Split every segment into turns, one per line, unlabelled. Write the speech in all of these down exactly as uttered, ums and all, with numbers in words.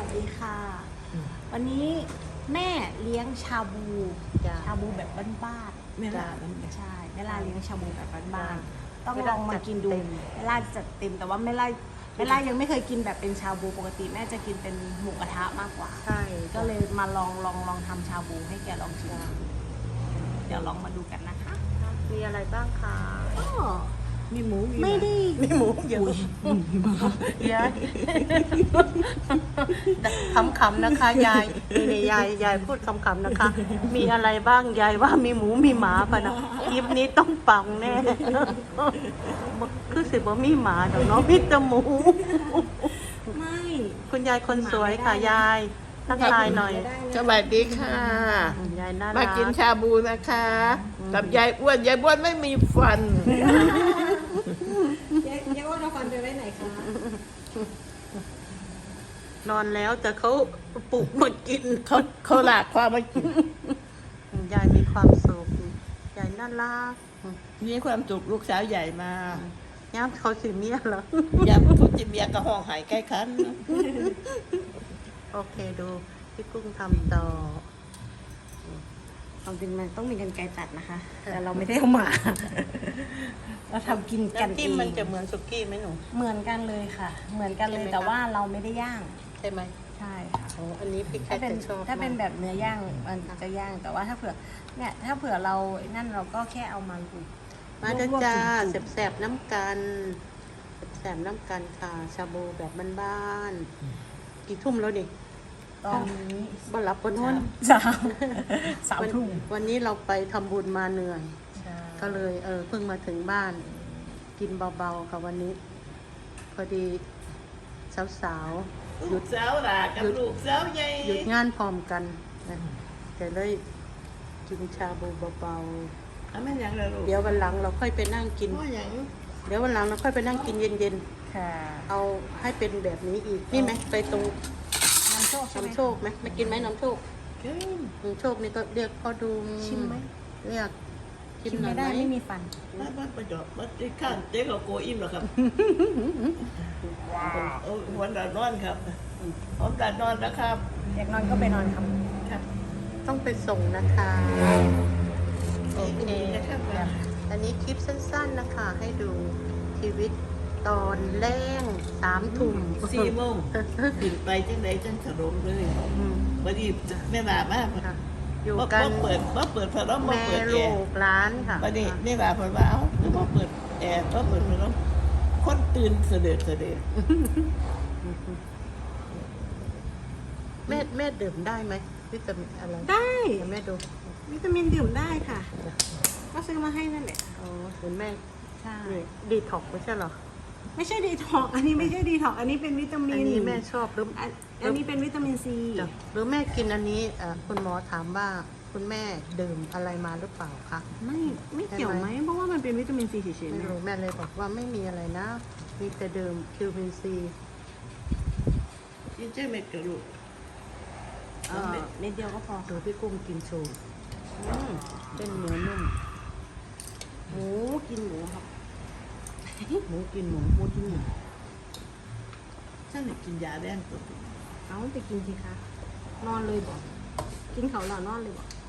สดีค่ะวันนี้แม่เลี้ยงชาบูชาบูแบบบ้านๆแม่ล่าใช่แม่ล่าเลี้ยงชาบูแบบบ้านๆต้องลองมากินดูแม่ล่าจัดเต็มแต่ว่าแม่ล่าแม่ล่ายังไม่เคยกินแบบเป็นชาบูปกติแม่จะกินเป็นหมูกระทะมากกว่าใช่ก็เลยมาลองลองลองทำชาบูให้แกลองชิมเดี๋ยวลองมาดูกันนะคะ
มีอะไรบ้างคะ
มีหมูไม่ได้
มีหมูเยอะยายคำๆนะคะยายนี่ยายยายพูดคำๆนะคะ มีอะไรบ้างยายว่ามีหมูมีหมาปะนะคลิปนี้ต้องปังแน่คือสิบ่มีหมาเดี๋ยวน้องมีแต่หมู
ไม่
คุณยายคนสวยค่ะยายทักทายหน่อย
สวัสดีค่ะ
ยายน่ารัก
มากินชาบูนะคะกับยายอ้วนยายอ้วนไม่มีฟัน
ยายอ้วนเอาฟันไปไว้ไหนคะ
นอนแล้วแต่เขาปลุกมากิน
เขาเขาหลากความมากิน
ยายมีความสุขยายน่ารัก
มีความสุขลูกสาวใหญ่มา
ย่ามเขาสิเมียเหร
อย่าพูดจะเมียกับห้องหายใกล้คัน
โอเคดูพี่กุ้งทำต่อ
ความจริงมันต้องมีกันไกรตัดนะคะแต่เราไม่ได้เอามาเราทำกินกันเอง
มันจะเหมือนสุกี้ไหมหนู
เหมือนกันเลยค่ะเหมือนกันเลยแต่ว่าเราไม่ได้ย่าง
ใช่ไหม
ใช่ค่ะ
โอ้อันนี้พี่แคทจะชอบ
ถ้าเป็นแบบเนื้อย่างมันจะย่างแต่ว่าถ้าเผื่อเนี่ยถ้าเผื่อเรานั่นเราก็แค่เอามาลูบ
มาด้จ้าแสบๆน้ำกันแสบน้ำกันค่ะชาบูแบบบ้านๆกี่ทุ่มแล้วดิ
ตอนนี้
บ้านรับบนนู้น
สามสามทุ่ม
วันนี้เราไปทำบุญมาเหนื่อยก็เลยเออเพิ่งมาถึงบ้านกินเบาๆค่ะวันนี้พอดีสาวๆ
หยุดสาวหลากับลูกสาวใหญ่
หยุดงานพร้อมกันนะแต่เลยกินชาบูเบา
ๆอันนั้นยังเลยลูก
เดี๋ยววันหลังเราค่อยไปนั่งกินเดี๋ยววันหลังเราค่อยไปนั่งกินเย็นๆเอาให้เป็นแบบนี้อีกนี่ไหมไปตรง
น้ำโชค
น้ำโชคไหมมากินไหมน้ำโชคน้ำโชคนี่ก็เรียกพ่อดู
ชิมไหม
เรียก
ชิมไม่ได้ไม่มีฟัน
บ้านบ้านประจอบบ้านที่ข้างเจ๊กับโกอิ่มหรอครับวันดานอนครับพร้อมดานอนนะครับ
อยากนอนก็ไปนอนครับ
ต้องไปส่งนะคะโอเคอันนี้คลิปสั้นๆนะคะให้ดูชีวิตตอนแรงสามทุ่ม
สี่โมงขึ้นไปจังใดจังฉลองเลยวันนี้แม่บามากค่ะ
อยู่กัน
เปิดว่าเปิดพัดลม
แม่ลูกร้านค่ะ
วันนี้แม่บาพอว่าแล้วก็เปิดแอร์ก็เปิดพัดลมคนตื่นเสด็จเสด็จ
แม่แม่ดื่มได้ไหมวิตามินอะไร
ได้
แม่ดู
วิตามินดื่มได้ค่ะก็ซื้อมาให้นั่นแหละ
อ๋อคุณแม่
ใช่
ดีท็อกไม่ใช่หรอ
ไม่ใช่ดีท็อกอันนี้ไม่ใช่ดีท็อกอันนี้เป็นวิตามินอัน
นี้แม่ชอบหรือ
อันนี้เป็นวิตามินซี
หรือแม่กินอันนี้คุณหมอถามว่าคุณแม่ดื่มอะไรมาหรือเปล่าคะ
ไม่ไม่เกี่ยวไหมเพราะว่ามันเป็นวิตามินซีเฉยๆ
ไม่รู้แม่เลยบอกว่าไม่มีอะไรนะมีแต่ดื่มวิตามินซี
กินเจ๊เม็ดกระดูก
เม็ดเดียวก็พอ
ดูพี่กุ้งกินโชว์เป็นเนื้อนุ่ม
หมูกินหมูครับ
หมูกินหมูหมูกินหมู
ฉันอยากกินยาแดงตัว
เอาไปกินสิคะนอนเลยบอกกินเขาหล่อนอนเลยบอก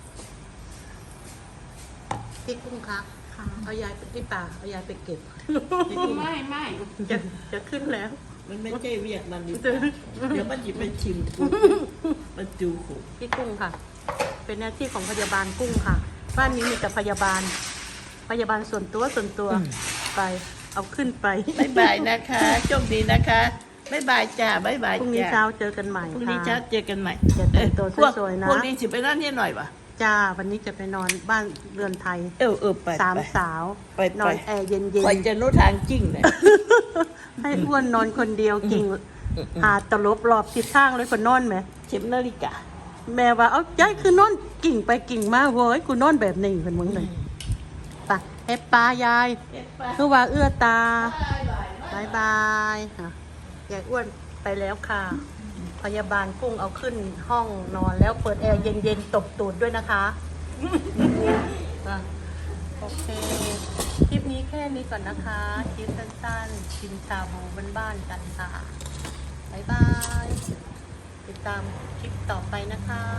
พี่กุ้งคะเอายายไปที่ป่าเอายายไปเก็บ
ไม่ไม่
จะจะขึ้นแล้ว
มันไม่ใช่เวียดมันดิเดี๋ยวมันหยิบไปชิมมันจูขุ
พี่กุ้งค่ะเป็นหน้าที่ของพยาบาลกุ้งค่ะบ้านนี้มีแต่พยาบาลพยาบาลส่วนตัวส่วนตัวไปเอาขึ้นไป
บ๊ายบายนะคะโชคดีนะคะบ๊ายบายจ้าบ๊ายบาย
พรุ่งนี้เช้าเจอกันใหม่
พรุ่งนี้เช้าเจอกันใหม่
จะแต่งตัวสวยๆนะ
พวกนี้สิไปนั่นนี่หน่อยปะ
จ้าวันนี้จะไปนอนบ้านเรือนไทย
เออเออไป
สามสาว
ไป
นอนแอร์เย็นๆ
ไปจะนู้ทางจริงเลย
ให้อ้วนนอนคนเดียวกิ่งหาตลบรอบทิศทางเลยคนนอนไหม
เข็มนาฬิกา
แม่ว่าเอาใจคือนอนกิ่งไปกิ่งมาเว้ยกูนอนแบบนี้เป็นมึงเลยปะเอปปายายคือว่าเอื้อตาบายบายค่ะยายอ้วนไปแล้วค่ะพยาบาลกุ้งเอาขึ้นห้องนอนแล้วเปิดแอร์เย็นๆตบตูดด้วยนะคะโอเคคลิปนี้แค่นี้ก่อนนะคะคลิปสั้นๆกินชาบูบ้านๆกันค่ะบายบายตามคลิปต่อไปนะคะ